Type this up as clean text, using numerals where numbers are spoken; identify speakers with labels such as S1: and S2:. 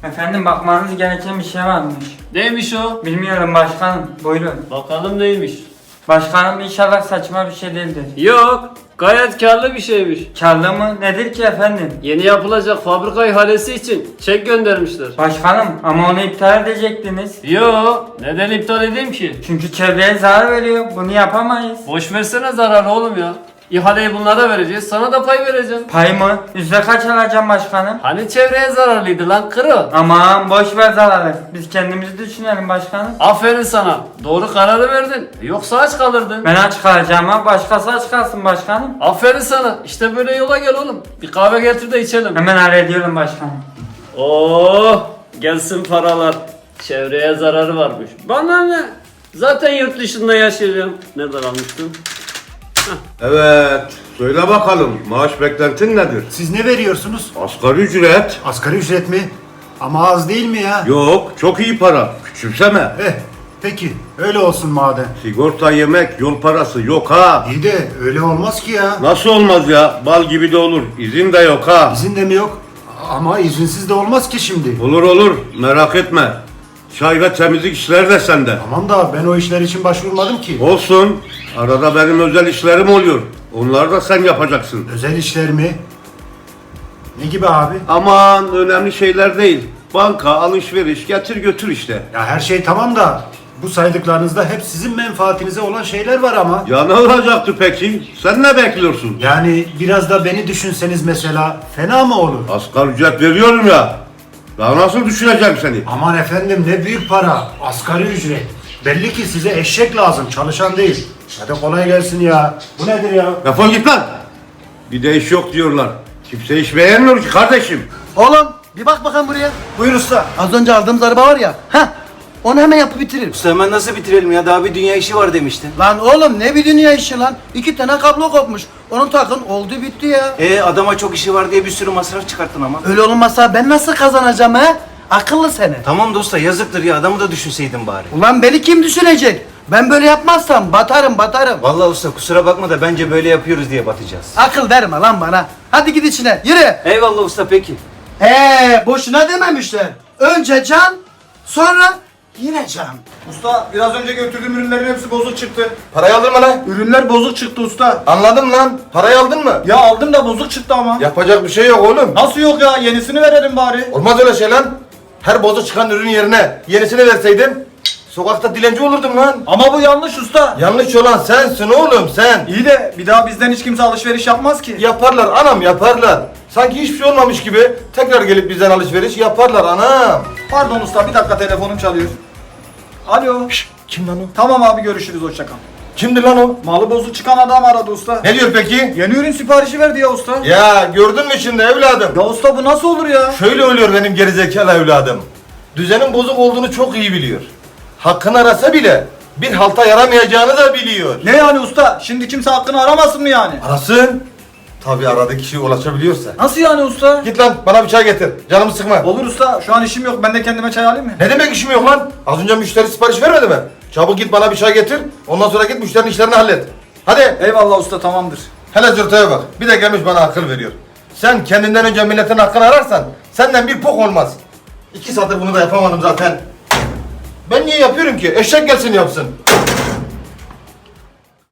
S1: Efendim bakmanız gereken bir şey varmış.
S2: Neymiş o?
S1: Bilmiyorum başkanım. Buyurun.
S2: Bakalım neymiş?
S1: Başkanım inşallah saçma bir şey değildir.
S2: Yok, gayet karlı bir şeymiş.
S1: Karlı mı? Nedir ki efendim?
S2: Yeni yapılacak fabrika ihalesi için çek göndermişler.
S1: Başkanım ama onu iptal edecektiniz.
S2: Yo, neden iptal edeyim ki?
S1: Çünkü çevreye zarar veriyor. Bunu yapamayız.
S2: Boş versene zararı oğlum ya. İhaleyi bunlara vereceğiz, sana da pay vereceğim.
S1: Pay mı? Yüzde kaç alacağım başkanım?
S2: Hani çevreye zararlıydı lan kırı.
S1: Aman boş ver zararı. Biz kendimizi düşünelim başkanım.
S2: Aferin sana, doğru kararı verdin. Yoksa aç kalırdın.
S1: Ben aç kalacağım ama başkası aç kalsın başkanım.
S2: Aferin sana, işte böyle yola gel oğlum. Bir kahve getir de içelim.
S1: Hemen hallediyorum başkanım.
S2: Oh, gelsin paralar. Çevreye zararı varmış. Bana ne? Zaten yurt dışında yaşayacağım. Nereden almıştım?
S3: Evet, söyle bakalım maaş beklentin nedir?
S4: Siz ne veriyorsunuz?
S3: Asgari ücret.
S4: Asgari ücret mi? Ama az değil mi ya?
S3: Yok, çok iyi para. Küçümseme.
S4: Peki öyle olsun madem.
S3: Sigorta, yemek, yol parası yok ha.
S4: İyi de öyle olmaz ki ya.
S3: Nasıl olmaz ya? Bal gibi de olur. İzin de yok ha.
S4: İzin de mi yok? Ama izinsiz de olmaz ki şimdi.
S3: Olur olur, merak etme. Çay ve temizlik işleri de sende.
S4: Tamam da ben o işler için başvurmadım ki.
S3: Olsun. Arada benim özel işlerim oluyor. Onları da sen yapacaksın.
S4: Özel işler mi? Ne gibi abi?
S3: Aman önemli şeyler değil. Banka, alışveriş, getir götür işte.
S4: Ya her şey tamam da bu saydıklarınızda hep sizin menfaatinize olan şeyler var ama.
S3: Ya ne olacaktı peki? Sen ne bekliyorsun?
S4: Yani biraz da beni düşünseniz mesela fena mı olur?
S3: Asgari ücret veriyorum ya. Daha nasıl düşüneceğim seni?
S4: Aman efendim ne büyük para. Asgari ücret. Belli ki size eşek lazım, çalışan değil. Hadi kolay gelsin ya. Bu nedir ya?
S3: Defol git lan. Bir de iş yok diyorlar. Kimse iş beğenmiyor ki kardeşim.
S5: Oğlum bir bak bakalım buraya.
S6: Buyur usta.
S5: Az önce aldığımız araba var ya. Onu hemen yapıp bitirir.
S6: Usta hemen nasıl bitirelim ya? Daha bir dünya işi var demiştin.
S5: Lan oğlum ne bir dünya işi lan. 2 tane kablo kopmuş. Onu takın oldu bitti ya.
S6: Adama çok işi var diye bir sürü masraf çıkarttın ama.
S5: Öyle olmasa ben nasıl kazanacağım he? Akıllı seni.
S6: Tamam da usta yazıktır ya, adamı da düşünseydin bari.
S5: Ulan beni kim düşünecek? Ben böyle yapmazsam batarım.
S6: Vallahi usta kusura bakma da bence böyle yapıyoruz diye batacağız.
S5: Akıl verme lan bana. Hadi git içine yürü.
S6: Eyvallah usta peki.
S5: Boşuna dememişler. Önce can sonra yine can.
S7: Usta biraz önce götürdüğüm ürünlerin hepsi bozuk çıktı.
S8: Parayı aldın mı lan?
S7: Ürünler bozuk çıktı usta.
S8: Anladım lan. Parayı aldın mı?
S7: Ya aldım da bozuk çıktı ama.
S8: Yapacak bir şey yok oğlum.
S7: Nasıl yok ya? Yenisini verelim bari.
S8: Olmaz öyle şey lan. Her bozuk çıkan ürün yerine yenisini verseydim sokakta dilenci olurdum lan.
S7: Ama bu yanlış usta.
S8: Yanlış olan sensin oğlum sen.
S7: İyi de bir daha bizden hiç kimse alışveriş yapmaz ki.
S8: Yaparlar anam yaparlar. Sanki hiçbir şey olmamış gibi tekrar gelip bizden alışveriş yaparlar anam.
S7: Pardon usta bir dakika telefonum çalıyor. Alo.
S8: Kim lan o?
S7: Tamam abi görüşürüz hoşça kal.
S8: Kimdi lan o?
S7: Malı bozuk çıkan adam aradı usta.
S8: Ne diyor peki?
S7: Yeni ürün siparişi verdi ya usta.
S8: Ya gördün mü şimdi evladım?
S7: Ya usta bu nasıl olur ya?
S8: Şöyle ölüyor benim gerizekalı evladım. Düzenin bozuk olduğunu çok iyi biliyor. Hakkını arasa bile bir halta yaramayacağını da biliyor.
S7: Ne yani usta? Şimdi kimse hakkını aramasın mı yani?
S8: Arasın. Tabii aradığı kişiye ulaşabiliyorsa.
S7: Nasıl yani usta?
S8: Git lan bana bir çay getir. Canımı sıkma.
S7: Olur usta şu an işim yok ben de kendime çay alayım mı?
S8: Ne demek işim yok lan? Az önce müşteri sipariş vermedi mi? Çabuk git bana bir çay getir. Ondan sonra git müşterinin işlerini hallet. Hadi.
S7: Eyvallah usta tamamdır.
S8: Hele zırtaya bak. Bir de gelmiş bana akıl veriyor. Sen kendinden önce milletin hakkını ararsan senden bir pok olmaz. 2 saattir bunu da yapamadım zaten. Ben niye yapıyorum ki? Eşek gelsin yapsın.